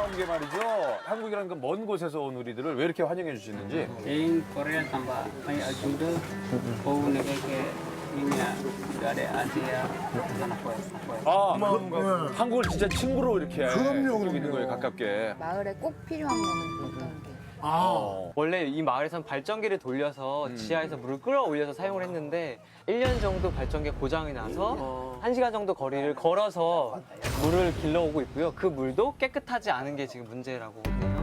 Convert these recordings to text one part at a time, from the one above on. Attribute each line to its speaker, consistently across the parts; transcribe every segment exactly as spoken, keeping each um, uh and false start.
Speaker 1: 궁금한 게 말이죠. 한국이라는 그 먼 곳에서 온 우리들을 왜 이렇게 환영해 주시는지.
Speaker 2: Yang Korea tambah banyak juga. Kau negara ke ini dari Asia. Apa apa.
Speaker 1: 아, 그, 한국을 진짜 친구로 이렇게
Speaker 3: 그럼요,
Speaker 1: 해주고 있는
Speaker 3: 그럼요.
Speaker 1: 거예요, 가깝게.
Speaker 4: 마을에 꼭 필요한 거는 어떤 게?
Speaker 1: 어.
Speaker 5: 원래 이 마을에선 발전기를 돌려서 지하에서 물을 끌어올려서 사용을 했는데 일 년 정도 발전기가 고장이 나서 한 시간 정도 거리를 걸어서 물을 길러오고 있고요. 그 물도 깨끗하지 않은 게 지금 문제라고 해요.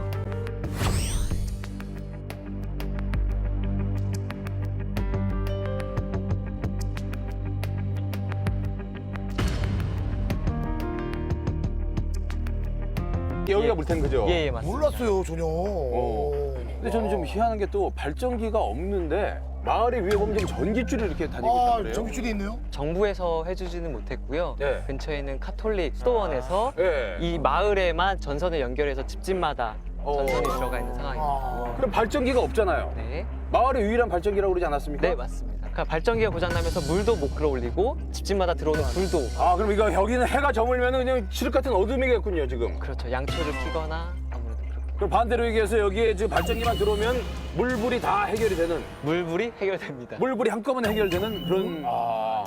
Speaker 1: 여기가 물탱크죠?
Speaker 5: 예, 예, 맞습니다.
Speaker 3: 몰랐어요 전혀.
Speaker 1: 어. 근데 저는 좀 희한한 게 또 발전기가 없는데 마을에 위에 보면 지금 전기줄이 이렇게 다니고 있단
Speaker 3: 아
Speaker 1: 말이에요.
Speaker 3: 전기줄이 있네요.
Speaker 5: 정부에서 해주지는 못했고요.
Speaker 1: 네.
Speaker 5: 근처에 있는 카톨릭 수도원에서
Speaker 1: 예.
Speaker 5: 이 마을에만 전선을 연결해서 집집마다
Speaker 1: 어.
Speaker 5: 전선이 들어가 있는 상황입니다.
Speaker 3: 아.
Speaker 1: 그럼 발전기가 없잖아요.
Speaker 5: 네.
Speaker 1: 마을의 유일한 발전기라고 그러지 않았습니까?
Speaker 5: 네, 맞습니다. 그러니까 발전기가 고장나면서 물도 못 끌어올리고 집집마다 들어오는 불도
Speaker 1: 아, 그럼 이거 여기는 해가 저물면 그냥 칠흑 같은 어둠이겠군요, 지금.
Speaker 5: 그렇죠. 양초를 피거나 아무래도 그렇게.
Speaker 1: 그럼 반대로 얘기해서 여기에 지금 발전기만 들어오면 물불이 다 해결이 되는,
Speaker 5: 물불이 해결됩니다.
Speaker 1: 물불이 한꺼번에 해결되는 그런. 아.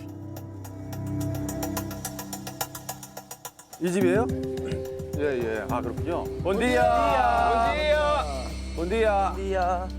Speaker 1: 이 집이에요? 예, 예. 아, 그렇군요. 본디야. 본디야. 본디야.
Speaker 5: 디야.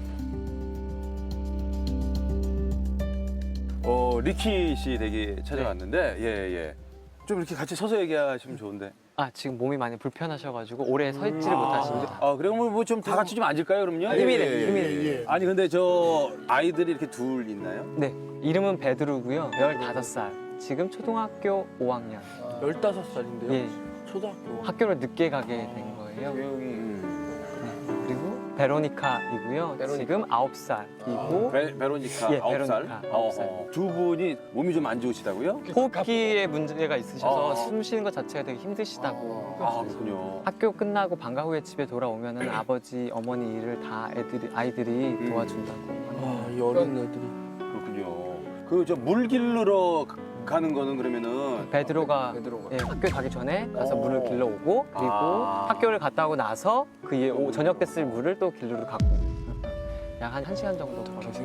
Speaker 1: 어, 리키 씨 댁에 찾아왔는데, 예, 예. 좀 이렇게 같이 서서 얘기하시면 좋은데.
Speaker 5: 아, 지금 몸이 많이 불편하셔가지고 오래 서 있지를 못하십니다.
Speaker 1: 아, 그래, 뭐, 좀 다 같이 좀 앉을까요, 그럼요?
Speaker 5: 힘이래,
Speaker 1: 예, 예,
Speaker 5: 힘이래.
Speaker 1: 예, 예.
Speaker 3: 예.
Speaker 1: 아니, 근데 저 아이들이 이렇게 둘 있나요?
Speaker 5: 네, 이름은 베드루고요. 열다섯 살. 지금 초등학교 오 학년.
Speaker 6: 열다섯 살인데요.
Speaker 5: 예,
Speaker 6: 초등학교.
Speaker 5: 학교를 늦게 가게 된 거예요.
Speaker 1: 음.
Speaker 5: 그리고 베로니카이고요.
Speaker 6: 베로니카.
Speaker 5: 지금 아홉 살이고
Speaker 1: 베, 베로니카,
Speaker 5: 예,
Speaker 1: 아홉 살.
Speaker 5: 베로니카, 아홉 살.
Speaker 1: 어, 어. 두 분이 몸이 좀 안 좋으시다고요?
Speaker 5: 호흡기에 문제가 있으셔서
Speaker 1: 어.
Speaker 5: 숨 쉬는 것 자체가 되게 힘드시다고.
Speaker 1: 아, 그렇군요.
Speaker 5: 학교 끝나고 방과 후에 집에 돌아오면은 아버지, 어머니 일을 다 애들이 아이들이 도와준다고.
Speaker 6: 아, 이 어린 애들이.
Speaker 1: 그렇군요. 그 저 물 길르러 가- 가는 거는 그러면은
Speaker 5: 베드로가
Speaker 6: 베드로가.
Speaker 5: 예, 학교 가기 전에 가서
Speaker 1: 어.
Speaker 5: 물을 길러오고 그리고
Speaker 1: 아.
Speaker 5: 학교를 갔다 오고 나서 그 이후에 오- 저녁 때 쓸 물을 또 길르러 가고 약 한 한 시간 정도 걸어서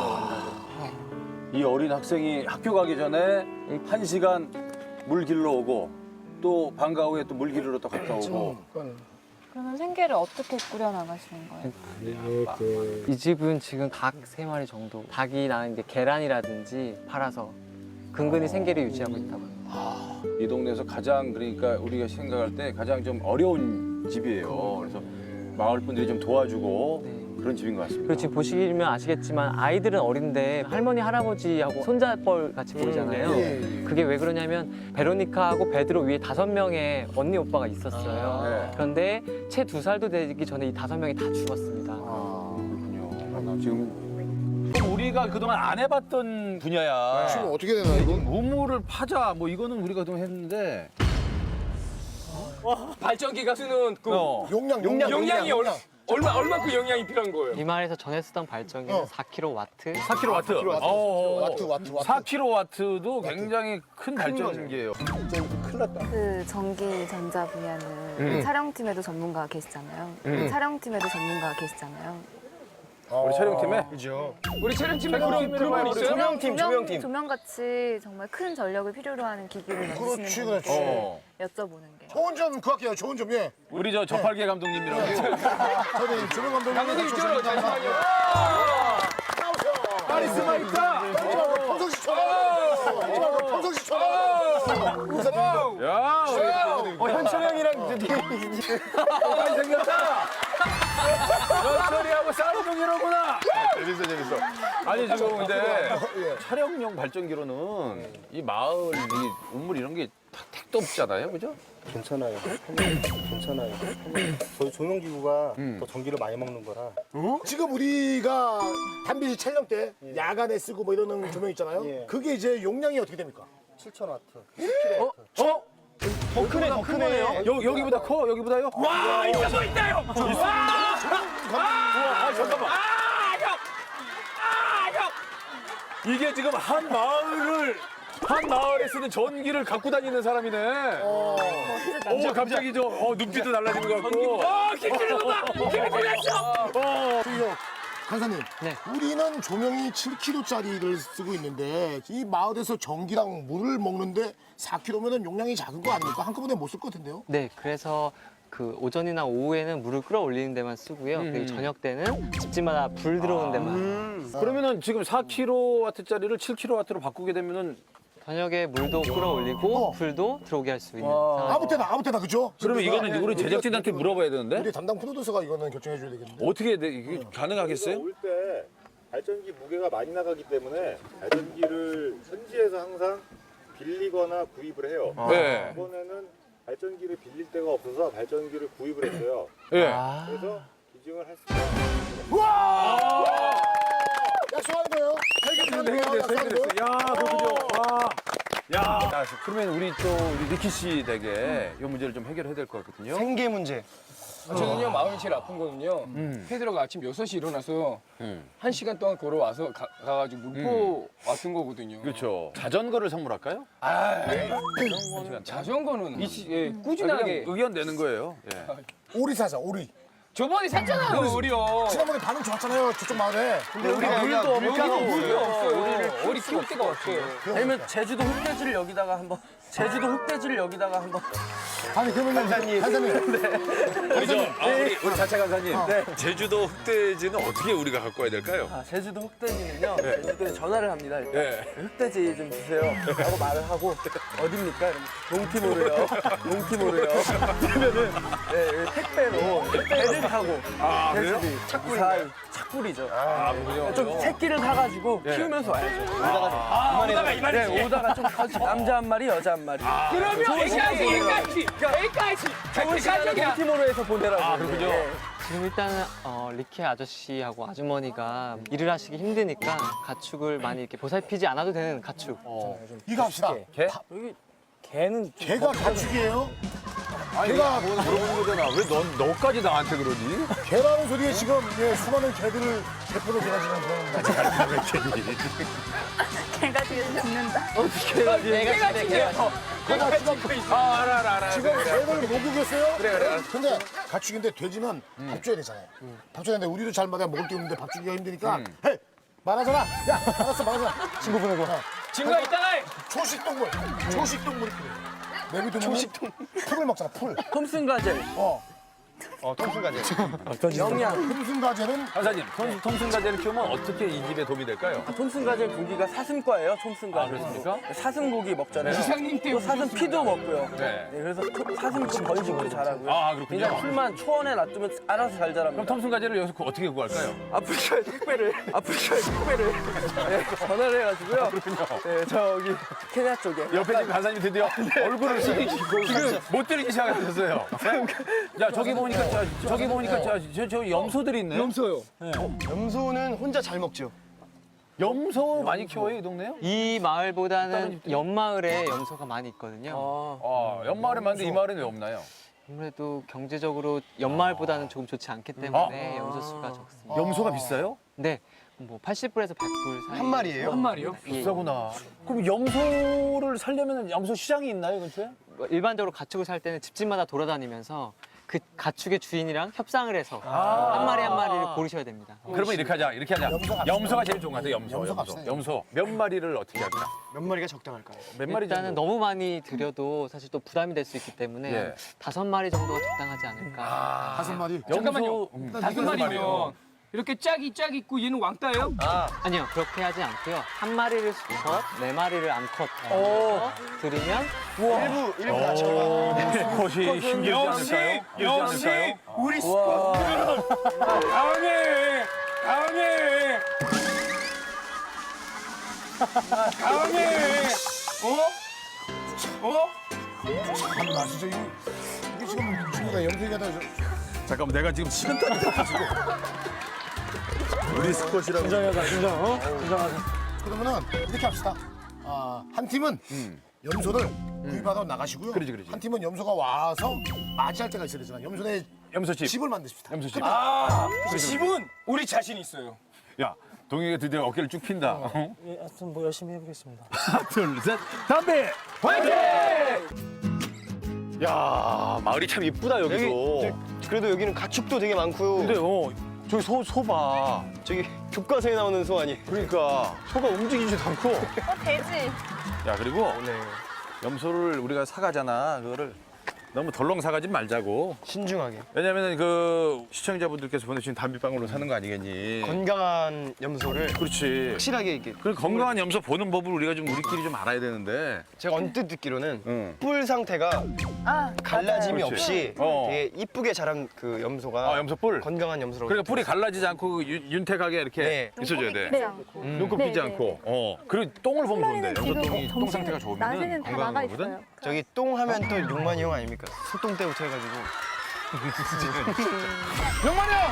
Speaker 1: 이 어린 학생이 학교 가기 전에 한 시간 물 길러 오고 또 방과 후에 또 물 길르러 또 갔다 오고.
Speaker 4: 그러면 생계를 어떻게 꾸려나가시는 거예요?
Speaker 5: 이 집은 지금 닭 세 마리 정도 닭이 낳은 이제 계란이라든지 팔아서 근근히 생계를 유지하고 있다고 합니다.
Speaker 1: 이 동네에서 가장 그러니까 우리가 생각할 때 가장 좀 어려운 집이에요. 그래서 마을 분들이 좀 도와주고
Speaker 5: 네.
Speaker 1: 그런 집인 것 같습니다.
Speaker 5: 그리고 지금 보시면 아시겠지만 아이들은 어린데 할머니 할아버지하고 손자뻘 같이 보이잖아요.
Speaker 3: 예, 예.
Speaker 5: 그게 왜 그러냐면 베로니카하고 베드로 위에 다섯 명의 언니 오빠가 있었어요.
Speaker 1: 네.
Speaker 5: 그런데 채 두 살도 되기 전에 이 다섯 명이 다 죽었습니다.
Speaker 1: 아, 그렇군요. 지금 좀 우리가 그동안 안 해봤던 분야야.
Speaker 3: 지금 어떻게 되나 이건?
Speaker 1: 우물을 파자 뭐 이거는 우리가 그동안 했는데.
Speaker 6: 발전기가 쓰는 그
Speaker 1: 어.
Speaker 3: 용량
Speaker 6: 용량,
Speaker 3: 용량
Speaker 6: 용량이 얼마, 얼마, 얼마큼 영양이 필요한 거예요?
Speaker 5: 이 마을에서 전에 쓰던 발전기는
Speaker 3: 어.
Speaker 5: 사 킬로와트.
Speaker 1: 사 킬로와트.
Speaker 3: 킬로와트.
Speaker 1: 어, 어, 어.
Speaker 3: 와트, 와트, 와트.
Speaker 1: 사 킬로와트도 굉장히 큰 발전기예요.
Speaker 3: 큰일 났다.
Speaker 4: 그 전기 전자 분야는 그 촬영팀에도 전문가가 계시잖아요. 그 촬영팀에도 전문가가 계시잖아요.
Speaker 1: 우리 촬영팀에
Speaker 3: 그죠.
Speaker 6: 우리 촬영팀에 그런, 그런 분 있어요?
Speaker 4: 조명팀, 조명팀. 조명같이 정말 큰 전력을 필요로 하는 기기를
Speaker 3: 그렇지,
Speaker 4: 만드시는
Speaker 3: 그렇지.
Speaker 4: 분께
Speaker 1: 어.
Speaker 4: 여쭤보는 게.
Speaker 3: 좋은 점 그할게요. 좋은 점 예.
Speaker 1: 우리 저 저팔계 감독님이라고.
Speaker 3: 저는 조명 감독님.
Speaker 6: 감독님 이쪽으로 잠시만요.
Speaker 1: 카리스마 있다.
Speaker 3: 평상시처럼. 평상시처럼. 인사드립니다.
Speaker 1: 야,
Speaker 6: 어, 현철형이랑
Speaker 1: 많이 생겼다. 연철이하고 쌍둥이로구나. 재밌어, 재밌어. 아니 지금 근데 촬영용 발전기로는 이 마을 이 우물 이런 게 택도 없잖아요, 그죠?
Speaker 7: 괜찮아요. 괜찮아요. 저희 조명기구가
Speaker 1: 음.
Speaker 7: 더 전기를 많이 먹는 거라.
Speaker 3: 지금 우리가 단비지 촬영 때 야간에 쓰고 뭐 이러는 조명 있잖아요.
Speaker 7: 예.
Speaker 3: 그게 이제 용량이 어떻게 됩니까?
Speaker 7: 칠천 와트.
Speaker 1: 어? 더 크네, 더 크네. 여, 여기보다 커, 여기보다요?
Speaker 6: 와, 있다, 뭐 있다요!
Speaker 1: 아, 잠깐만. 이게 지금 한 마을을
Speaker 6: 한 마을에 쓰는 전기를 갖고 다니는 사람이네. 오, 갑자기 저 어, 눈빛도 달라지는 것 같고. 어, 김치는 봐! 김치 달랐어!
Speaker 3: 저기요, 간사님.
Speaker 5: 네.
Speaker 3: 우리는 조명이 칠 킬로그램짜리를 쓰고 있는데 이 마을에서 전기랑 물을 먹는데 사 킬로그램면은 용량이 작은 거 아닙니까? 한꺼번에 못 쓸 것 같은데요?
Speaker 5: 네, 그래서 그 오전이나 오후에는 물을 끌어올리는 데만 쓰고요. 그리고 저녁 때는 집집마다 불 들어오는 데만.
Speaker 1: 그러면은 지금 사 킬로와트짜리를 칠 킬로와트로 바꾸게 되면은
Speaker 5: 저녁에 물도 끌어올리고
Speaker 3: 어.
Speaker 5: 불도 들어오게 할 수 있는
Speaker 1: 와.
Speaker 5: 상황.
Speaker 3: 아무 때나 아무 때나 그죠?
Speaker 1: 그러면
Speaker 3: 근데
Speaker 1: 이거는 우리 제작진한테 물어봐야 되는데
Speaker 3: 우리 담당 프로듀서가 이거는 결정해 줘야 되겠는데.
Speaker 1: 어떻게 해야 돼? 이게 가능하겠어요?
Speaker 7: 올 때 발전기 무게가 많이 나가기 때문에 발전기를 현지에서 항상 빌리거나 구입을 해요.
Speaker 1: 네.
Speaker 7: 이번에는 발전기를 빌릴 데가 없어서 발전기를 구입을 했어요.
Speaker 1: 예.
Speaker 7: 그래서 기증을 할 수가
Speaker 3: 약속하는 거예요.
Speaker 1: 해결됐어, 해결됐어, 해결됐어. 야, 그렇군요. 와. 야. 자, 그러면 우리 또 우리 리키 씨 댁에 이 문제를 좀 해결해야 될 것 같거든요.
Speaker 7: 생계 문제.
Speaker 6: 저는요 마음이 제일 아픈 거는요. 페드로가 아침 여섯 시 일어나서 한 시간 동안 걸어와서 가, 가가지고 물포 왔던 거거든요.
Speaker 1: 그렇죠. 자전거를 선물할까요?
Speaker 6: 자전거는 이 시, 예,
Speaker 1: 그냥
Speaker 6: 꾸준하게.
Speaker 1: 의견 내는 거예요. 예.
Speaker 3: 오리 사자, 오리.
Speaker 6: 저번에 샀잖아요, 우리요.
Speaker 3: 지난번에 반응 좋았잖아요, 저쪽 마을에. 근데
Speaker 6: 우리가 물도 없고 물도 없어요. 우리를 우리 키울 데가 없어요.
Speaker 8: 아니면 제주도 흑돼지를 여기다가 한번 제주도 흑돼지를 여기다가 한번
Speaker 3: 아니 그러면 간사님, 간사님.
Speaker 1: 우리 저 아, 우리 우리 자차 간사님. 네. 제주도 흑돼지는 어떻게 우리가 갖고 와야 될까요?
Speaker 8: 아, 제주도 흑돼지는요. 제주도에 전화를 합니다. 일단
Speaker 1: 네.
Speaker 8: 흑돼지 좀 주세요. 라고 말을 하고 어딥니까? 이러면 동티모르요. 동티모르요. 그러면은 네, 택배로 배를 타고
Speaker 1: 아, 그래요?
Speaker 8: 착불이 착불이죠.
Speaker 1: 아, 그렇군요.
Speaker 8: 좀 새끼를 사가지고 키우면서 와야죠. 오다가 좀
Speaker 6: 아, 오다가 이 말이지.
Speaker 8: 네, 오다가 좀 커지- 남자 한 마리, 여자 한 마리.
Speaker 6: 그러면 A까지, A까지, A까지.
Speaker 8: 좋은 시간을 동티모르에서 보내라고.
Speaker 1: 아, 그렇군요.
Speaker 8: 네.
Speaker 5: 지금 일단은 어, 리키 아저씨하고 아주머니가 일을 하시기 힘드니까 가축을 많이 이렇게 보살피지 않아도 되는 가축.
Speaker 3: 이거 합시다.
Speaker 1: 개?
Speaker 8: 개는 좀
Speaker 3: 개가 가축이에요?
Speaker 1: 아니,
Speaker 3: 내가-
Speaker 1: 내가 물어보는 거잖아. 왜 넌 너까지 나한테 그러니?
Speaker 3: 개라는 소리에 지금 예, 수많은 개들을 대표로 제가 지금 그런
Speaker 4: 개가 지금 죽는다.
Speaker 5: 내가 집에 개가
Speaker 1: 아, 알아, 알아, 알아.
Speaker 3: 지금 개를 목욕했어요? 그래, 그래. 근데 가축인데 돼지는 밥 줘야 되잖아요. 밥 줘야 되는데 우리도 잘 먹어야 먹을 게 없는데 밥 주기가 힘드니까 헤이! 말하잖아. 야, 알았어, 말하잖아. 친구 보내고. 어.
Speaker 6: 친구가 있잖아.
Speaker 3: 초식 동물. 초식 동물이 필요해. 내비두면 초식 동물. 풀을 먹잖아, 풀.
Speaker 8: 톰슨 가젤.
Speaker 3: 어.
Speaker 7: 어, 통순가제.
Speaker 8: 영양.
Speaker 3: 톰슨 가젤은
Speaker 1: 간사님, 톰- 톰슨 가재를 키우면 어떻게 이 집에 도움이 될까요?
Speaker 8: 아, 톰슨 가젤 고기가 사슴과예요. 톰슨 가젤.
Speaker 1: 아, 그렇습니까?
Speaker 8: 사슴 고기 먹잖아요.
Speaker 6: 이상님
Speaker 8: 또
Speaker 6: 때문에
Speaker 8: 사슴 피도 먹고요.
Speaker 1: 네.
Speaker 8: 네, 그래서 토- 사슴 좀 번식도 잘하고요.
Speaker 1: 아, 그렇군요.
Speaker 8: 그냥 풀만 초원에 놔두면 알아서 잘 자랍니다.
Speaker 1: 그럼 톰슨 가재를 여기서 구- 어떻게 구할까요?
Speaker 8: 아프리카에 택배를 아프리카에 택배를 네, 전화를 해가지고요.
Speaker 1: 그렇군요.
Speaker 8: 네, 저기 케냐 쪽에.
Speaker 1: 옆에 지금 간사님 드디어 얼굴을 숙이시고 지금 못 들기 시작하셨어요. 야, 저기 보니까 저, 저기 보니까 저, 저, 저 염소들이 있네.
Speaker 6: 염소요.
Speaker 7: 염소는 혼자 잘 먹죠.
Speaker 1: 염소 많이 키워요, 이 동네요?
Speaker 5: 이 마을보다는 옆마을에 염소가 많이 있거든요.
Speaker 1: 아, 옆마을에 많은데 이 마을에는 왜 없나요?
Speaker 5: 아무래도 경제적으로 옆마을보다는 조금 좋지 않기 때문에 염소 수가 적습니다.
Speaker 1: 염소가 비싸요?
Speaker 5: 네, 뭐 팔십 불에서 백 불 사이.
Speaker 7: 한 마리예요?
Speaker 6: 한 마리요?
Speaker 5: 예.
Speaker 1: 비싸구나. 그럼 염소를 살려면 염소 시장이 있나요, 근처에?
Speaker 5: 뭐 일반적으로 가축을 살 때는 집집마다 돌아다니면서 그 가축의 주인이랑 협상을 해서 한 마리 한 마리를 고르셔야 됩니다.
Speaker 1: 그러면 이렇게 하자, 이렇게 하자.
Speaker 3: 염소가
Speaker 1: 염소가 제일 좋은 것 같아요, 염소.
Speaker 3: 염소
Speaker 1: 염소.
Speaker 3: 갑시다.
Speaker 1: 염소. 몇 마리를 어떻게 할까?
Speaker 7: 몇 마리가 적당할까요?
Speaker 1: 몇 마리
Speaker 5: 일단은
Speaker 1: 정도?
Speaker 5: 너무 많이 들여도 사실 또 부담이 될 수 있기 때문에
Speaker 1: 예.
Speaker 5: 다섯 마리 정도가 적당하지 않을까.
Speaker 3: 다섯 마리.
Speaker 6: 잠깐만요.
Speaker 1: 음.
Speaker 6: 다섯 마리면 이렇게 짝이 짝 있고 얘는 왕따예요?
Speaker 5: 아니요, 그렇게 하지 않고요. 한 마리를 수컷, 네 마리를 암컷 해서 드리면
Speaker 7: 일부, 일부 다 적어.
Speaker 1: 수컷이 힘들지 않을까요?
Speaker 6: 역시
Speaker 1: 않을까요?
Speaker 6: 우리 스쿼트는 강해, 강해, 강해. 어? 어?
Speaker 3: 참나 진짜 이게, 이게 지금 친구가 염색이 다
Speaker 1: 잠깐만, 내가 지금 식은땀이 나가지고. 우리 스컷이라고.
Speaker 8: 긴장하자, 긴장. 어? 긴장하자.
Speaker 3: 그러면은 이렇게 합시다. 아, 한 팀은 염소를 구입하러 나가시고요.
Speaker 1: 그러지, 그러지.
Speaker 3: 한 팀은 염소가 와서 맞이할 때가 있어야 되잖아. 염소네
Speaker 1: 염소집.
Speaker 3: 집을 만드십시다.
Speaker 1: 염소집.
Speaker 6: 아, 집은 우리 자신 있어요.
Speaker 1: 야, 동이가 드디어 어깨를 쭉 핀다. 어?
Speaker 8: 예, 하여튼 뭐 열심히 해보겠습니다.
Speaker 1: 하나, 둘, 셋, 담배! 화이팅! 야, 마을이 참 이쁘다, 여기도.
Speaker 8: 여기 저- 그래도 여기는 가축도 되게 많고요.
Speaker 1: 근데, 어, 저기 소, 소 봐.
Speaker 8: 저기 교과서에 나오는 소 아니?
Speaker 1: 그러니까, 소가 움직이지도 않고.
Speaker 4: 어, 돼지.
Speaker 1: 야, 그리고
Speaker 8: 네.
Speaker 1: 염소를 우리가 사가잖아. 그거를 너무 덜렁 사가지 말자고.
Speaker 8: 신중하게.
Speaker 1: 왜냐면 그 시청자분들께서 보내주신 담배방울로 사는 거 아니겠니?
Speaker 8: 건강한 염소를
Speaker 1: 그렇지.
Speaker 8: 확실하게 이게.
Speaker 1: 그 건강한 염소 보는 법을 우리가 좀 우리끼리 좀 알아야 되는데.
Speaker 8: 제가 언뜻 듣기로는
Speaker 1: 응.
Speaker 8: 뿔 상태가
Speaker 4: 아,
Speaker 8: 갈라짐이
Speaker 1: 그렇지.
Speaker 8: 없이
Speaker 1: 어.
Speaker 8: 되게 이쁘게 자란 그 염소가
Speaker 1: 아, 염소 뿔.
Speaker 8: 건강한 염소라고.
Speaker 1: 그러니까 뿔이 갈라지지 않고 그 윤- 윤택하게 이렇게
Speaker 8: 네.
Speaker 1: 있어줘야 돼.
Speaker 4: 네.
Speaker 1: 눈곱
Speaker 4: 네,
Speaker 1: 피지
Speaker 4: 네,
Speaker 1: 않고. 어. 그리고 똥을 보면 좋은데. 염소
Speaker 4: 지금
Speaker 1: 똥이 똥
Speaker 4: 점심
Speaker 1: 상태가 좋으면
Speaker 4: 낮에는 다
Speaker 1: 건강한
Speaker 4: 나가
Speaker 1: 거거든.
Speaker 4: 있어요.
Speaker 8: 저기 똥 하면 또 육만이 형 아닙니까? 소똥 때부터 해가지고.
Speaker 1: 용만이 형!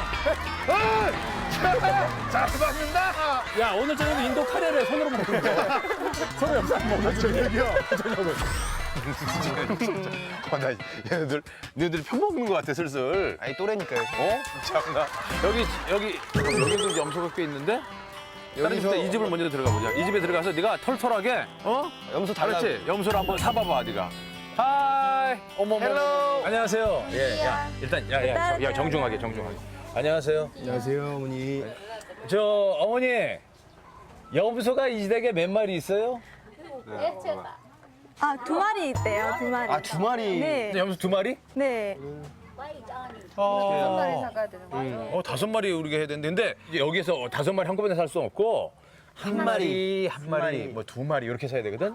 Speaker 1: 잘 봤는다!
Speaker 6: 야 오늘 저녁에 인도 카레를 손으로 먹는 거. 서로 옆에 안 먹어. 저녁이요. 저녁을.
Speaker 1: 어, 나 얘네들, 얘네들 편먹는 것 같아, 슬슬.
Speaker 8: 아니 또래니까요.
Speaker 1: 어? 참나. 여기, 여기, 여기도 염소가 꽤 있는데? 다른 집에 이 집을 먼저 들어가 보자. 이 집에 들어가서 네가 털털하게, 어?
Speaker 8: 염소 달라.
Speaker 1: 그렇지. 염소를 한번 사봐봐, 네가. 하이. 어머, 어머.
Speaker 8: 헬로.
Speaker 1: 안녕하세요. 예, 야, 일단, 야, 야, 저- 야, 정중하게, 정중하게. 안녕하세요.
Speaker 8: 안녕하세요 어머니.
Speaker 1: 저 어머니, 염소가 이 댁에 몇 마리 있어요?
Speaker 9: 아, 두 마리 있대요, 두 마리.
Speaker 8: 아 두 마리.
Speaker 9: 네,
Speaker 1: 염소 두 마리?
Speaker 9: 네.
Speaker 4: 한 마리 사가야 되는 거죠?
Speaker 1: 어, 다섯 마리 우리가 해야 되는데, 근데 이제 여기서 다섯 마리 한꺼번에 살 수 없고, 한 마리, 한 마리, 뭐 두 마리 이렇게 사야 되거든?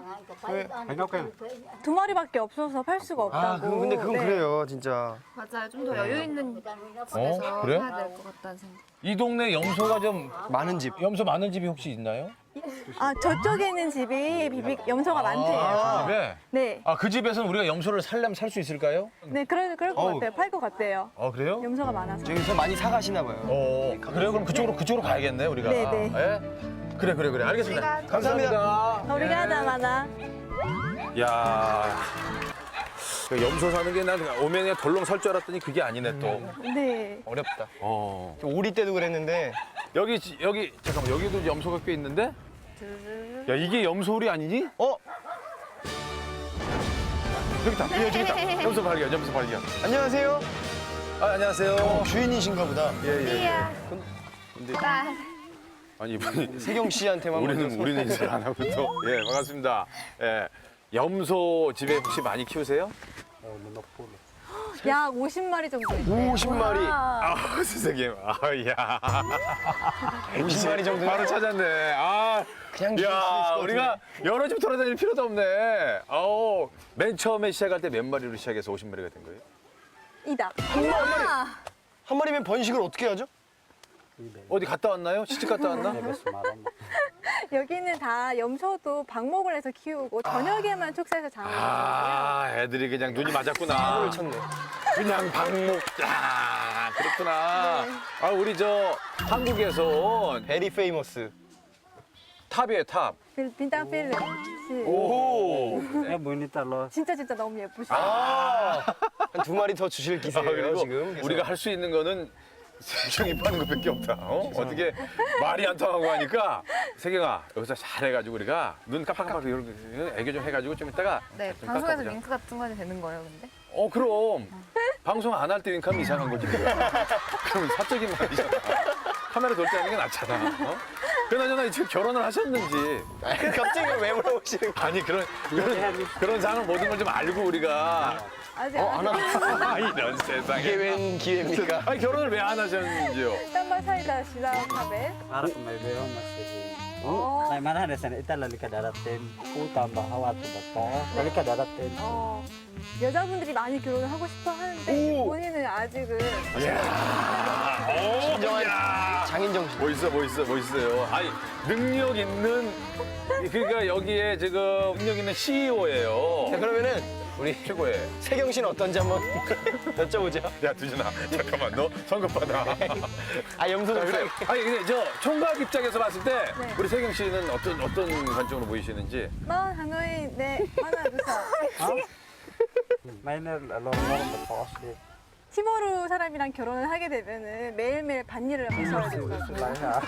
Speaker 9: 두 마리밖에 없어서 팔 수가 없다고.
Speaker 8: 아 그건 근데 그건
Speaker 9: 네.
Speaker 8: 그래요 진짜.
Speaker 4: 맞아요. 좀 더 여유 있는 집에서
Speaker 1: 어? 그래?
Speaker 4: 해야 될 것 같다는 생각.
Speaker 1: 이 동네 염소가 좀,
Speaker 8: 많은 집.
Speaker 1: 염소 많은 집이 혹시 있나요?
Speaker 9: 아, 저쪽에 있는 집이 비비 염소가 많대요.
Speaker 1: 아, 집에?
Speaker 9: 네,
Speaker 1: 아, 그 집에서는 우리가 염소를 살려면 살 수 있을까요?
Speaker 9: 네, 그럴, 그럴 것
Speaker 8: 어우.
Speaker 9: 같아요. 팔 것 같대요.
Speaker 1: 아, 그래요?
Speaker 9: 염소가 많아서.
Speaker 8: 저기서 많이 사가시나 봐요.
Speaker 1: 어, 그래요? 그럼 그쪽으로, 그쪽으로 가야겠네, 우리가.
Speaker 9: 네, 네.
Speaker 1: 예? 그래, 그래, 그래. 알겠습니다.
Speaker 8: 감사합니다.
Speaker 1: 감사합니다.
Speaker 9: 우리가 하나 많아.
Speaker 1: 야, 그 염소 사는 게 난 오면 그냥 덜렁 설 줄 알았더니 그게 아니네 또.
Speaker 9: 네.
Speaker 8: 어렵다.
Speaker 1: 어.
Speaker 8: 오리 때도 그랬는데
Speaker 1: 여기 지- 여기 잠깐만 여기도 염소가 꽤 있는데? 야 이게 염소울이 아니니?
Speaker 8: 어
Speaker 1: 여기 있다. 예, 저기 있다. 염소 발견, 염소 발견.
Speaker 8: 안녕하세요.
Speaker 1: 아 안녕하세요.
Speaker 8: 어, 주인이신가 보다.
Speaker 1: 예 예.
Speaker 4: 띠야.
Speaker 1: 근데
Speaker 4: 딸.
Speaker 1: 아니 이분이
Speaker 8: 세경 씨한테만
Speaker 1: 우리는
Speaker 8: 먼저
Speaker 1: 우리는 인사를 안 하고 또. 예 반갑습니다. 예. 염소 집에 혹시 많이 키우세요?
Speaker 9: 약 오십 마리 정도 있대요.
Speaker 8: 오십 마리.
Speaker 1: 아 선생님. 아야.
Speaker 8: 오십 마리 정도.
Speaker 1: 바로 찾았네. 아.
Speaker 8: 그냥 키울 수 있을 것
Speaker 1: 야,
Speaker 8: 같은데.
Speaker 1: 우리가 여러 집 돌아다닐 필요도 없네. 아우, 맨 처음에 시작할 때 몇 마리로 시작해서 오십 마리가 된 거예요?
Speaker 9: 이다.
Speaker 8: 한 마리면 번식을 어떻게 하죠?
Speaker 1: 어디 갔다 왔나요? 시집 갔다 왔나?
Speaker 9: 여기는 다 염소도 방목을 해서 키우고 저녁에만 축사해서 장을 하거든요.
Speaker 1: 아, 애들이 그냥 눈이 맞았구나.
Speaker 8: 을 쳤네.
Speaker 1: 그냥 방목. 아, 그렇구나. 아, 우리 저 한국에서 온
Speaker 8: 베리 페이머스.
Speaker 1: 탑이에요, 탑.
Speaker 9: 빌- 빈당 필름 씨.
Speaker 1: 오.
Speaker 9: 진짜 진짜 너무 예쁘시죠?
Speaker 8: 아, 한 두 마리 더 주실
Speaker 1: 아,
Speaker 8: 기세예요
Speaker 1: 그리고
Speaker 8: 지금. 그래서.
Speaker 1: 우리가 할 수 있는 거는 세경이 파는 것밖에 없다. 어? 어떻게 말이 안 통하고 하니까 세경아 여기서 잘해가지고 우리가 눈 깜빡깜빡 이런 애교 좀 해가지고 좀 이따가
Speaker 4: 네,
Speaker 1: 좀
Speaker 4: 방송에서
Speaker 1: 깎아보자.
Speaker 4: 윙크 같은 거 해도 되는 거예요, 근데?
Speaker 1: 어 그럼 방송 안 할 때 윙크하면 이상한 거지. 그럼 사적인 말이잖아. 카메라 돌 때 하는 게 낫잖아. 어? 그나저나 지금 결혼을 하셨는지.
Speaker 8: 갑자기 왜 물어보시는 거예요?
Speaker 1: 아니 그런 그런 그런 상황 모든 걸 좀 알고 우리가.
Speaker 9: 아직
Speaker 8: 어,
Speaker 9: 안
Speaker 8: 안 하.
Speaker 1: 아, 이런 세상에.
Speaker 8: 이게 웬 기회입니까?
Speaker 1: 아니 결혼을 왜 안 하셨는지요?
Speaker 9: 딴말 사이다 시다카베.
Speaker 2: Harap may meron na si
Speaker 9: 어,
Speaker 2: May manahan sa itala lika darating utang bahawa to bato. Lika darating.
Speaker 9: 어, 여자분들이 많이 결혼을 하고 싶어 하는데
Speaker 1: 오.
Speaker 9: 본인은 아직은
Speaker 8: 진정한
Speaker 1: 야.
Speaker 8: 장인 정신.
Speaker 1: 멋있어, 멋있어, 멋있어요. 아니, 능력 있는, 그러니까 여기에 지금 능력 있는 씨이오예요.
Speaker 8: 자 그러면은 우리
Speaker 1: 최고의.
Speaker 8: 세경 씨는 어떤지 한번 여쭤보죠.
Speaker 1: 야, 두준아, 잠깐만, 너 성급 받아.
Speaker 8: 아 염소
Speaker 1: 자,
Speaker 8: 좀
Speaker 1: 그래. 아니, 근데 저 총각 입장에서 봤을 때,
Speaker 9: 네.
Speaker 1: 우리 세경 씨는 어떤, 어떤 관점으로 보이시는지.
Speaker 9: 마 하노이 네 하나 두사.
Speaker 2: May na long long bato si
Speaker 9: 티모르 사람이랑 결혼을 하게 되면은 매일매일 밭일을 하셔야 되거든요.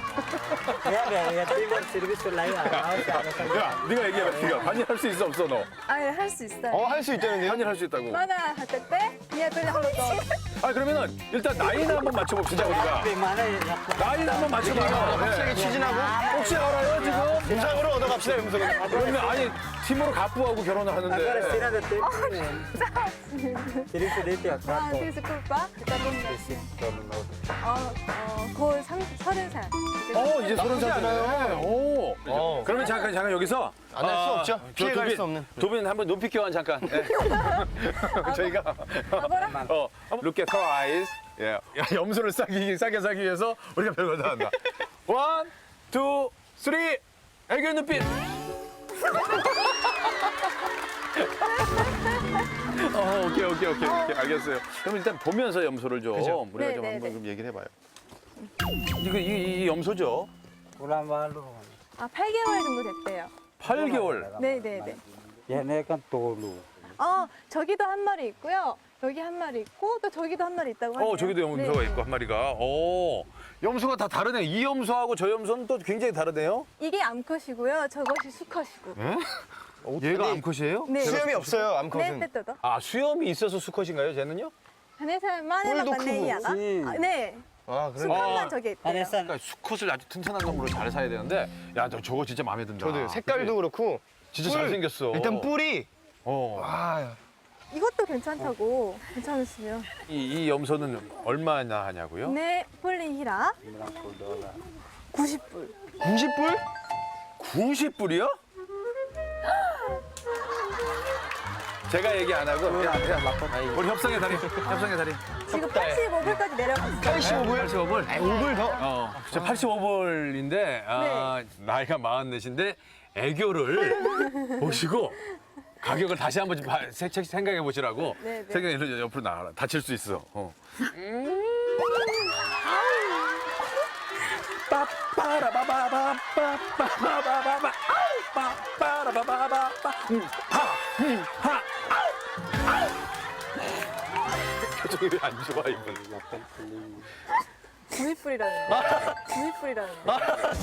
Speaker 1: 야, 네가 얘기해봐. 네가 반일할 수 있어 없어 너?
Speaker 4: 아예 할 수 있어요.
Speaker 8: 어, 할 수 있다는데요?
Speaker 1: 반일할 수 있다고.
Speaker 9: Mana hatete? Dia tuh kalau tuh.
Speaker 1: 아 그러면은 일단 나이는 한번 맞춰봅시다 우리가. 나이는 한번 맞춰봐요.
Speaker 8: 확실하게 추진하고
Speaker 1: 혹시 알아요 지금?
Speaker 8: 음성으로 얻어갑시다, 음성으로.
Speaker 1: 그러면 아니 팀으로 가부하고 결혼을 하는데.
Speaker 9: Ah, desculpa. Kita belum. Oh, oh, 곧 삼, 서른 살.
Speaker 1: 어 이제 서른 살 되네. 오.
Speaker 8: 어.
Speaker 1: 그러면 잠깐 잠깐 여기서
Speaker 8: 안 할 수
Speaker 1: 아,
Speaker 8: 없죠.
Speaker 1: 저
Speaker 8: 피해갈
Speaker 1: 도빈,
Speaker 8: 수 없는.
Speaker 1: 도빈 한번 눈빛 교환 잠깐. 예. 저희가 어 look at her eyes. 예. 야, 염소를 싸기 싸게 싸기 위해서 우리가 별거 다 한다. One, two, three. 애교 눈빛. 어 오케이 오케이 오케이 오케이 알겠어요. 그럼 일단 보면서 염소를 좀 우리가
Speaker 9: 네,
Speaker 1: 좀
Speaker 9: 네,
Speaker 1: 한번
Speaker 9: 네.
Speaker 1: 좀 얘기를 해봐요. 이거 이, 이 염소죠?
Speaker 9: 아, 팔 개월 정도 됐대요.
Speaker 1: 팔 개월.
Speaker 9: 네, 네, 네.
Speaker 2: 얘네가 또루.
Speaker 9: 어, 저기도 한 마리 있고요. 여기 한 마리 있고 또 저기도 한 마리 있다고 하네요.
Speaker 1: 어, 저기도 염소가
Speaker 9: 네.
Speaker 1: 있고 한 마리가. 오, 염소가 다 다르네. 이 염소하고 저 염소는 또 굉장히 다르네요.
Speaker 9: 이게 암컷이고요. 저것이 수컷이고.
Speaker 1: 얘가 암컷이에요?
Speaker 9: 네.
Speaker 8: 수염이 없어요,
Speaker 9: 네,
Speaker 8: 암컷은.
Speaker 9: 빼떠도.
Speaker 1: 아, 수염이 있어서 수컷인가요, 쟤는요?
Speaker 9: 한해살 만에
Speaker 8: 뿔도
Speaker 9: 막내이야가.
Speaker 8: 크고.
Speaker 9: 아, 네.
Speaker 8: 아, 그래.
Speaker 9: 수컷만
Speaker 1: 아.
Speaker 9: 저기 있대요.
Speaker 1: 그러니까 수컷을 아주 튼튼한 놈으로 잘 사야 되는데, 야, 너 저거 진짜 마음에 든다.
Speaker 8: 저도요. 색깔도 그렇고.
Speaker 1: 진짜
Speaker 8: 뿔.
Speaker 1: 잘생겼어.
Speaker 8: 일단 뿔이.
Speaker 1: 어.
Speaker 8: 아,
Speaker 9: 이것도 괜찮다고. 괜찮으시면.
Speaker 1: 이, 이 염소는 얼마나 하냐고요?
Speaker 9: 네, 폴리히라. 구십 불.
Speaker 8: 구십 뿔?
Speaker 1: 구십 불이요? 제가 얘기 안 하고 그냥, 그냥 우리 협상의 달인, 협상의 달인.
Speaker 9: 지금 팔십오 불까지 내려갔어요.
Speaker 8: 팔십오 불?
Speaker 1: 팔십오 불?
Speaker 8: 아, 오 불 더?
Speaker 1: 어, 저 팔십오 불인데 아, 나이가 마흔넷인데 애교를 보시고 가격을 다시 한번 좀 봐- 세- 세- 생각해 보시라고
Speaker 9: 네, 네.
Speaker 1: 생각해 옆으로 나가라. 다칠 수 있어. 어. 빠빠라바바바빠빠바바바 빠빠라바바바빠 음하음하 표정이 왜 안 좋아 이분.
Speaker 9: 구십 불이라는 거. 구십 불이라는 거.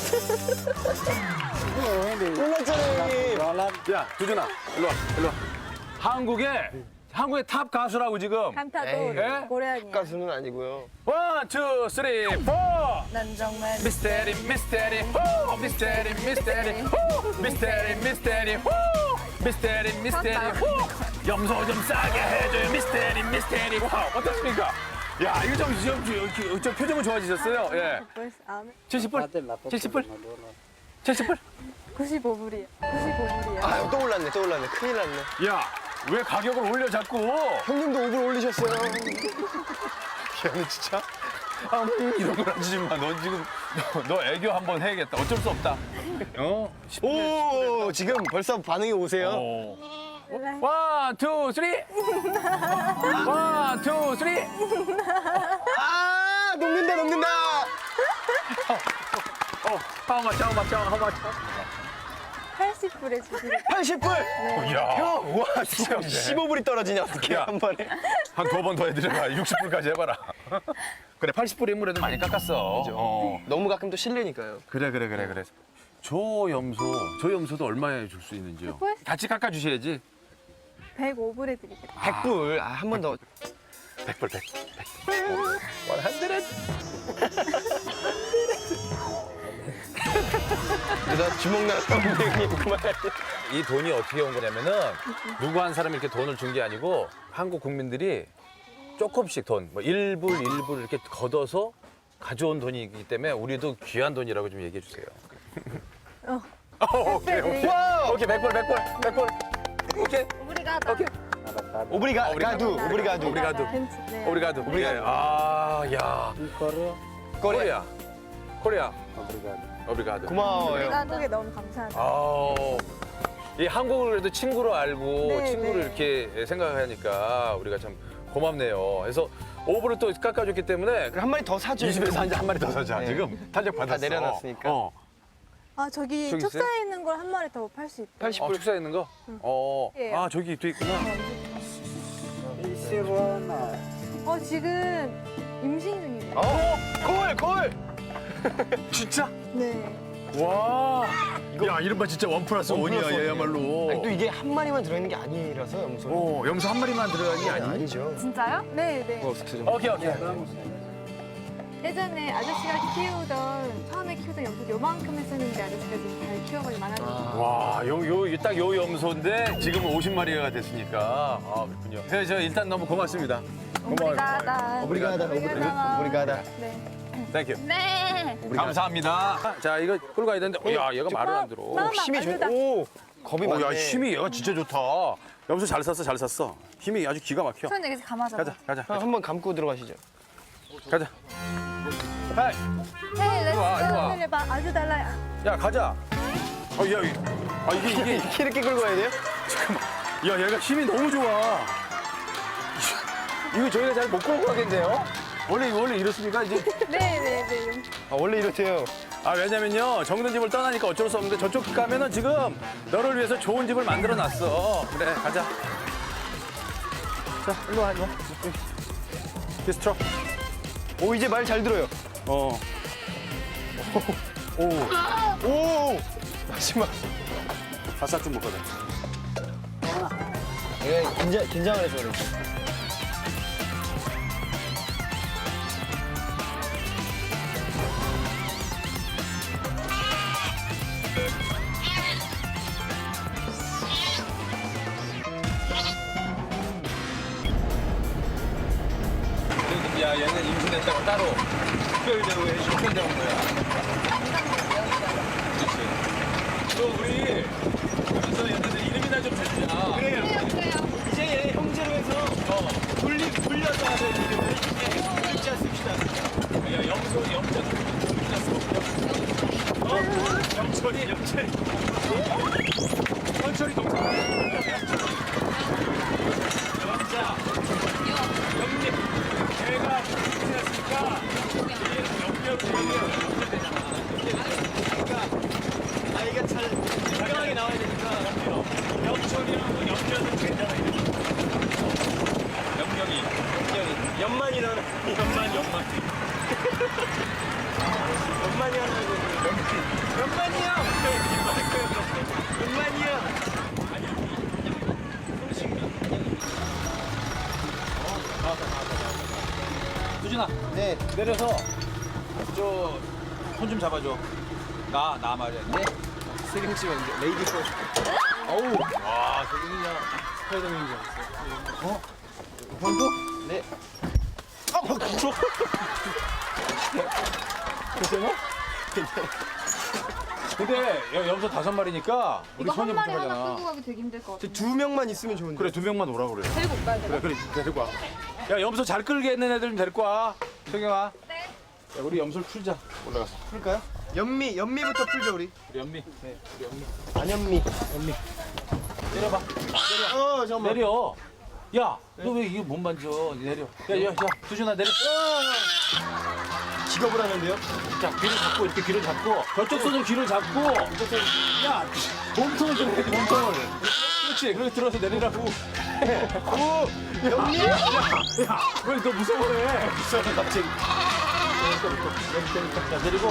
Speaker 8: 몰랐잖아요, 형님.
Speaker 1: 야, 두준아, 일로 와, 일로 와. 한국의, 한국의 탑 가수라고 지금.
Speaker 9: 칸타도
Speaker 1: 에?
Speaker 9: 고래아니야.
Speaker 8: 가수는 아니고요.
Speaker 1: 원, 투, 쓰리, 포!
Speaker 4: 난 정말
Speaker 1: 미스테리, 미스테리, 호! 미스테리, 미스테리, 호! 미스테리, 미스테리, 호! 미스테리, 미스테리, 호! 염소 좀 싸게 해줘요, 미스테리, 미스테리, 호! 어떻습니까? 야, 이거 좀, 좀, 좀, 좀 표정은 좋아지셨어요? 예.
Speaker 9: 벌써 아,
Speaker 1: 칠십 불? 칠십 불? 칠십 불?
Speaker 9: 구십오 불이야. 구십오 불이야.
Speaker 8: 아, 또 올랐네, 또 올랐네. 큰일 났네.
Speaker 1: 야, 왜 가격을 올려 자꾸?
Speaker 8: 형님도 오 불 올리셨어요.
Speaker 1: 걔는 진짜 아, 음, 이런 걸 하지 마. 너 지금 너, 너 애교 한번 해야겠다. 어쩔 수 없다. 어?
Speaker 8: 오, 지금 벌써 반응이 오세요.
Speaker 1: 어. 원, 투, 쓰리. 원, 투, 쓰리.
Speaker 8: 아, 녹는다, 녹는다.
Speaker 1: 어, how much, how much, how much?
Speaker 9: 팔십 불에 주시는
Speaker 8: 팔십 불.
Speaker 1: 야,
Speaker 8: 형, 와, 진짜 십오 불이 떨어지냐, 어떻게
Speaker 1: 야.
Speaker 8: 한 번에.
Speaker 1: 한 두 번 더 해드려봐. 육십 불까지 해봐라. 그래, 팔십 불 인물에도 많이 깎았어. 어.
Speaker 8: 너무 가끔 또 실례니까요.
Speaker 1: 그래, 그래, 그래, 그래. 저 염소, 저 염소도 얼마에 줄 수 있는지요? 같이 깎아주셔야지.
Speaker 9: 백오 불에 드리겠다.
Speaker 8: 백 불. 아, 한 번 더.
Speaker 1: 백 불, 백. 원한드렛.
Speaker 8: 나 주먹 나갔는데 형님 그만.
Speaker 1: 이 돈이 어떻게 온 거냐면은 누구 한 사람이 이렇게 돈을 준 게 아니고 한국 국민들이 조금씩 돈, 뭐 일 불, 일 불 이렇게 걷어서 가져온 돈이기 때문에 우리도 귀한 돈이라고 좀 얘기해 주세요.
Speaker 9: 어.
Speaker 1: 어, 오케이, 오케이.
Speaker 8: 와,
Speaker 1: 오케이, 백 불, 백 불, 백 불. 오케이.
Speaker 4: 우리가 다
Speaker 1: 오케이.
Speaker 8: 오브리가,
Speaker 1: 오브리가도.
Speaker 8: 가두, 오브리가두.
Speaker 1: 오브리가도.
Speaker 9: 네.
Speaker 1: 오브리가도. 오브리가도. 아, 야. 코리아. 코리아. 오브리가도.
Speaker 8: 고마워요.
Speaker 9: 한국에 너무 감사하다.
Speaker 1: 아, 이 한국을 그래도 친구로 알고
Speaker 9: 네,
Speaker 1: 친구를
Speaker 9: 네.
Speaker 1: 이렇게 생각하니까 우리가 참 고맙네요. 그래서 오브를 또 깎아줬기 때문에
Speaker 8: 한 마리 더 사줘.
Speaker 1: 이 집에서 한 마리 더 사자.
Speaker 8: 네.
Speaker 1: 지금 탄력 받았어.
Speaker 8: 다 내려놨으니까.
Speaker 1: 어,
Speaker 9: 아, 저기
Speaker 1: 저기 있어요?
Speaker 9: 축사에 있는 걸 한 마리 더 팔 수 있대요.
Speaker 8: 팔십
Speaker 1: 어
Speaker 8: 불.
Speaker 1: 축사에 있는 거? 어,
Speaker 9: 예.
Speaker 1: 아 저기 또 있구나.
Speaker 9: 어, 어, 지금 임신 중이래요.
Speaker 8: 어? 콜! 콜!
Speaker 6: 진짜?
Speaker 9: 네.
Speaker 6: 와. 야 이른바 진짜 원 플러스 원이야 얘야말로.
Speaker 8: 아니, 또 이게 한 마리만 들어있는 게 아니라서 염소.
Speaker 6: 어 염소 한 마리만 들어간 게 아니?
Speaker 8: 아니죠.
Speaker 4: 진짜요?
Speaker 9: 네, 네.
Speaker 6: 오케이 오케이.
Speaker 9: 예전에 아저씨가 키우던, 처음에 키우던 염소 요만큼 했었는데 아저씨가 지금 잘 키워버리 많아졌어요.
Speaker 6: 와요요딱요 염소인데 지금 오십 마리가 됐으니까 아 그렇군요. 네, 저 일단 너무 고맙습니다.
Speaker 4: 오브리가다.
Speaker 8: 오브리가다, 오브리가다. 오브리가다.
Speaker 9: 네.
Speaker 6: 땡큐.
Speaker 4: 네.
Speaker 6: 감사합니다. 자 이거 끌고 가야 되는데 어, 야 얘가 말을 안 들어.
Speaker 9: 마마,
Speaker 8: 힘이 좋.
Speaker 9: 아주다.
Speaker 8: 오, 겁이
Speaker 6: 어,
Speaker 8: 많네.
Speaker 6: 야 힘이 얘가 진짜 좋다. 염소 잘 샀어 잘 샀어. 힘이 아주 기가 막혀.
Speaker 4: 손 여기서 감아줘봐.
Speaker 6: 가자 가자
Speaker 8: 형, 한번 감고 들어가시죠.
Speaker 6: 가자. 하이.
Speaker 4: 헤이, 렛츠
Speaker 6: 와, 이리 와.
Speaker 9: 해봐. 아주 달라요.
Speaker 6: 야 가자. 어, 야, 이- 아 이게 이게
Speaker 8: 이렇게 이렇게 끌고 가야 돼요?
Speaker 6: 야 얘가 힘이 너무 좋아. 이거 저희가 잘 못 끌고 가겠는데요? 원래 원래 이렇습니까 이제?
Speaker 9: 네, 네, 네.
Speaker 8: 아, 원래 이렇대요.
Speaker 6: 아 왜냐면요 정든 집을 떠나니까 어쩔 수 없는데 저쪽 가면은 지금 너를 위해서 좋은 집을 만들어 놨어. 그래 가자. 자 일로 와 일로 와. 디스트럭.
Speaker 8: 오, 이제 말 잘 들어요.
Speaker 6: 어. 오.
Speaker 8: 오! 마지막.
Speaker 6: 바싹 좀 먹거든.
Speaker 8: 얘가 긴장, 긴장을 해서 그래.
Speaker 6: 야 얘는 임신했다고 따로 특별대로 해주고 편대한 거야. 그렇지. 또 우리 여기서 얘네들 이름이나 좀 대주자. 그래요.
Speaker 8: 이제 얘 형제로 해서
Speaker 6: 어.
Speaker 8: 돌리, 돌려서 하는 이름을 이제 글자 씁시다.
Speaker 6: 야 염소 염자 글자 써. 어? 영철이 영철이. 영철이 동생. 영자. 영립. 걔가 임신했으니까 얘는 염려로 얘기해요. 그러니까
Speaker 8: 아이가 잘 건강하게 나와야 되니까.
Speaker 6: 영철이랑 염려는 괜찮아. 염경이.
Speaker 8: 연연만이 나오는.
Speaker 6: 연만 연만.
Speaker 8: 연만이 하는 거. 연만이요! 연만이요!
Speaker 6: 수진아
Speaker 8: 네.
Speaker 6: 내려서 저 손 좀 잡아줘. 나 나 말이야. 네.
Speaker 8: 세경 씨가 이제 레이디 퍼스트.
Speaker 6: 어우. 와 세균이냐 스파이더맨인 줄 알았어. 어?
Speaker 8: 형도? 네.
Speaker 6: 아 뭐, 그쵸? 괜찮아? 근데 여- 염소 다섯 마리니까 우리
Speaker 4: 이거 한
Speaker 6: 손이
Speaker 4: 마리 하나
Speaker 6: 부족하잖아.
Speaker 4: 끌고 가기 되게 힘들 것 같아.
Speaker 8: 두 명만 있으면 좋은데.
Speaker 6: 그래 두 명만 오라 그래.
Speaker 4: 데리고 올까요, 제가?
Speaker 6: 그래 그래 데리고 와. 야 염소 잘 끌겠는 애들 좀 데리고 와. 성경아.
Speaker 4: 네.
Speaker 6: 야 우리 염소를 풀자. 올라가서.
Speaker 8: 풀까요? 연미, 연미부터 풀죠, 우리.
Speaker 6: 우리 연미. 네. 우리 연미.
Speaker 8: 안연미.
Speaker 6: 연미. 내려봐.
Speaker 8: 어, 잠깐만.
Speaker 6: 내려. 야, 너 왜 이거 못 만져? 내려. 야, 야, 야, 두준아 내려.
Speaker 8: 직업을 하는데요?
Speaker 6: 자, 귀를 잡고 이렇게 귀를 잡고 저쪽 손으로 귀를 잡고 이쪽 손. 야, 몸통을 좀 해, 몸통을. 그렇지. 그렇게 들어서 내리라고.
Speaker 8: 오! 연미!
Speaker 6: 야, 왜 너 무서워해? 무서워 갑자기. 자, 내리고.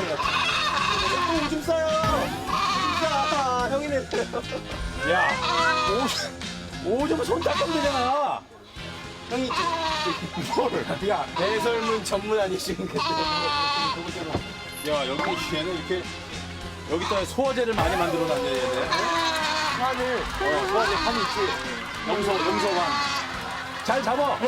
Speaker 8: 또 오줌 싸요! 오줌 싸! 형이 내려요.
Speaker 6: 야, 오, 오줌은 손 닦으면 되잖아.
Speaker 8: 형이
Speaker 6: 뭘? 야,
Speaker 8: 배설문 전문 아니시겠는데.
Speaker 6: 야, 여기 얘는 이렇게 여기다 소화제를 많이 만들어 놨네, 얘네.
Speaker 8: 판을.
Speaker 6: 어, 소화제 판이 있지. 염소, 염소관. 잘 잡아.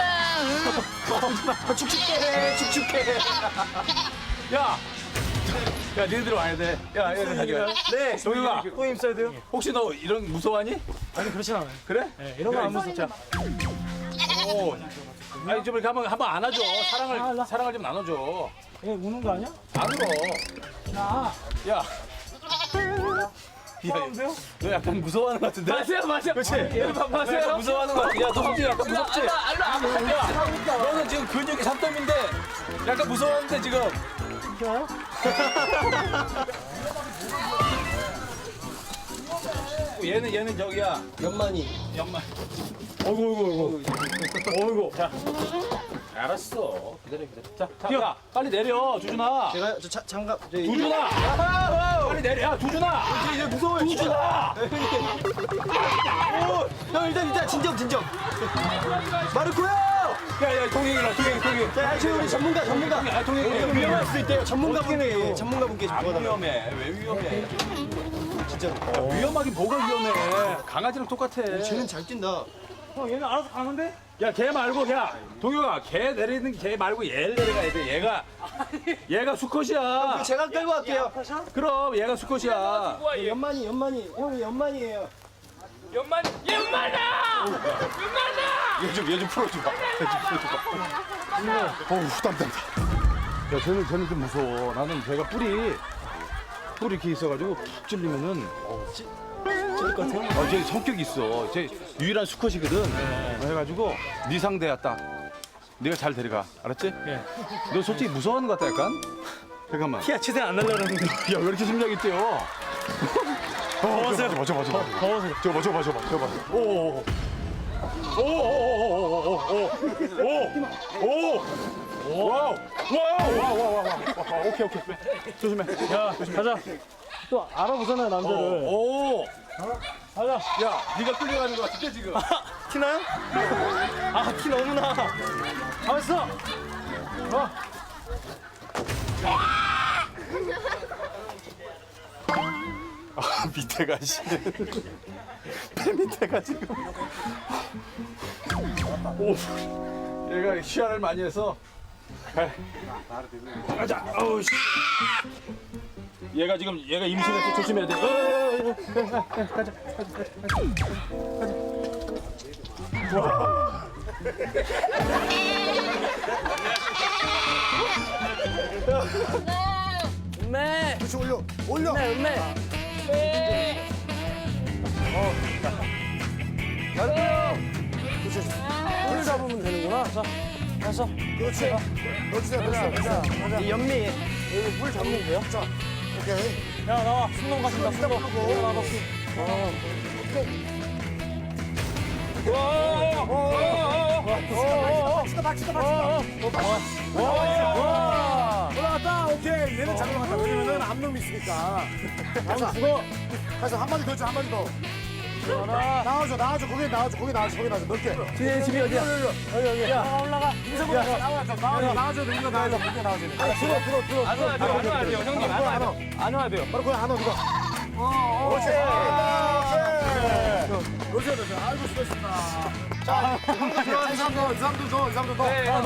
Speaker 8: 어, 축축해, 축축해.
Speaker 6: 야, 야, 니네들 와야 돼. 야, 얘들 가져가.
Speaker 8: 네.
Speaker 6: 동영아,
Speaker 8: 또 힘써야 돼요?
Speaker 6: 혹시 너 이런 무서워하니?
Speaker 10: 아니 그렇진 않아요.
Speaker 6: 그래?
Speaker 10: 네, 이런 거 안 무섭죠.
Speaker 6: 오. 아니 좀 이렇게 한번 한번 안아줘. 사랑을 사랑을 좀 나눠줘.
Speaker 10: 얘 우는 거 아니야?
Speaker 6: 안 울어.
Speaker 10: 나.
Speaker 6: 야. 야, 너 약간 무서워하는 것 같은데?
Speaker 10: 마세요, 마세요.
Speaker 6: 그렇지?
Speaker 10: 얘를 마세요.
Speaker 6: 약간 무서워하는 것 같아. 야, 너 솔직히 약간 무섭지? 야, 너는 지금 근육이 삼점인데 약간 무서워하는데 지금.
Speaker 1: 그리고 얘는 얘는 저기야.
Speaker 8: 연만이.
Speaker 1: 연말. 어이구, 어이구, 어이구. 어이구. 자. 알았어. 기다려, 기다려. 자, 자, 야, 빨리 내려, 두준아.
Speaker 8: 제가 저 자, 장갑 저 이-
Speaker 1: 두준아. 빨리 내려, 야, 두준아.
Speaker 8: 이제 무서워요.
Speaker 1: 두준아.
Speaker 8: 오, 형 일단 일단 진정 진정. 마르코요.
Speaker 1: 야, 야, 동행이라, 동행, 동행.
Speaker 8: 자, 아시오 우리 전문가 전문가.
Speaker 1: 아, 동행.
Speaker 8: 위험할 수도 있대요. 전문가분께 전문가분께 좀
Speaker 1: 안
Speaker 8: 도와달라고.
Speaker 1: 위험해. 왜 위험해?
Speaker 8: 진짜로.
Speaker 1: 야, 위험하긴 뭐가 위험해. 강아지랑 똑같아.
Speaker 8: 쟤는 잘 뛴다.
Speaker 1: 형, 얘는 알아서 가는데? 야, 걔 말고, 야, 동혁아, 걔 내리는 걔 말고 얘를 내려가야 돼. 얘가, 얘가 수컷이야.
Speaker 8: 제가 끌고 갈게요.
Speaker 1: 그럼 얘가 수컷이야.
Speaker 8: 연만이 연만이 형이 연만이에요.
Speaker 1: 연만, 연만아! 연만아! 얘 좀, 얘 좀 풀어줘봐. 얘 좀 풀어줘봐. 어우, 땀, 땀, 땀. 야, 쟤는, 쟤는 좀 무서워. 나는 걔가 뿔이, 뿔이 이렇게 있어가지고 푹 찔리면은, 어, 찌, 찔릴 것 같아요? 어, 쟤 성격이 있어. 쟤 유일한 수컷이거든. 해가지고, 네 상대야, 딱. 네가 잘 데려가. 알았지? 예. 너 솔직히 무서워하는 것 같다, 약간? 잠깐만.
Speaker 10: 키야 치세 안 날려는 데
Speaker 1: 야, 왜 이렇게 심장이 뛰어? 더워서. 저거, 저거, 저거. 더워서. 저거, 저거, 저거, 저거. 오, 오, 오, 오, 오, 오, 오, 오, 와우, 와우, 와우, 와우, 와우. 오케이, 오케이. 조심해.
Speaker 10: 야 가자. 또 알아보잖아요 남자를.
Speaker 1: 오,
Speaker 10: 가자.
Speaker 1: 야, 네가 끌려가는 것 같은데 지금.
Speaker 10: 티나요? 아티 너무 나. 가만있어. 어.
Speaker 1: 아, 밑에가 씨. 배 밑에가 지금. 오, 얘가 시야를 많이 해서. 가. 가자. 어우 씨. 얘가 지금 얘가 임신해서 조심해야 돼. 어, 어, 어, 어. 가자, 가자, 가자, 가자. 와.
Speaker 10: 음메.
Speaker 3: 그렇지 올려 올려.
Speaker 10: 음메 음메. 잘해요. 뿔 잡으면 되는구나. 자, 가서.
Speaker 3: 그렇지. 넣어주세요 넣어주세요 넣어주세요.
Speaker 10: 이 연미 여기 뿔 잡으면 돼요?
Speaker 3: 자 오케이.
Speaker 10: 야 나와. 순놈 가신다.
Speaker 3: 이따
Speaker 10: 순놈.
Speaker 3: 부르고.
Speaker 10: 나와. 어.
Speaker 3: 박치다 박치다 박치다. 올라갔다. 오케이. 얘는 잘 올라갔다. 왜냐면은 앞놈이 있으니까. 가서
Speaker 10: 죽어.
Speaker 3: 가서 한 마디 더 줘. 한 마디 더. 나와줘 나와줘 거기 나와줘 거기 나와줘 거기 나와줘 넓게.
Speaker 10: 집에 집이 어디야? 여기 여기. 야 올라가.
Speaker 3: 인사보다 나와줘 나와줘 나와줘 이거 나와줘 거기 나와줘. 들어 들어 들어.
Speaker 1: 안 와야 돼요, 안 와야 돼요, 형님, 안 와야 돼요. 안 와야 돼요.
Speaker 3: 바로 거기 안와 누가. 그렇지. 그렇지 그렇지. 아이고 수고했습니다. 자 이 사람 더 이 사람도 더 이 사람도 더.
Speaker 1: 네.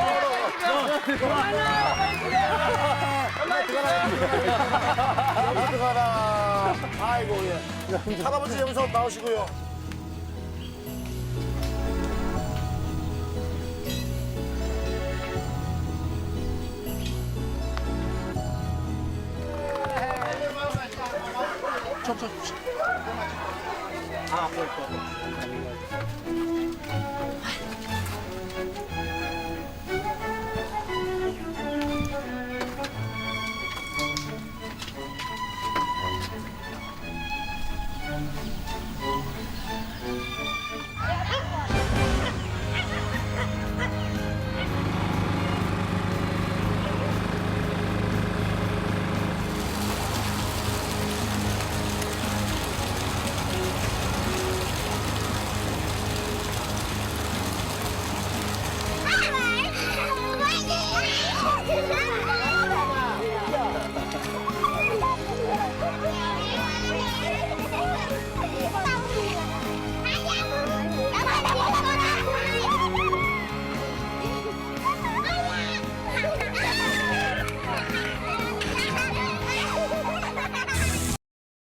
Speaker 3: 여기 들어가라. 아이고 예. 할아버지 여기서 나오시고요. 아,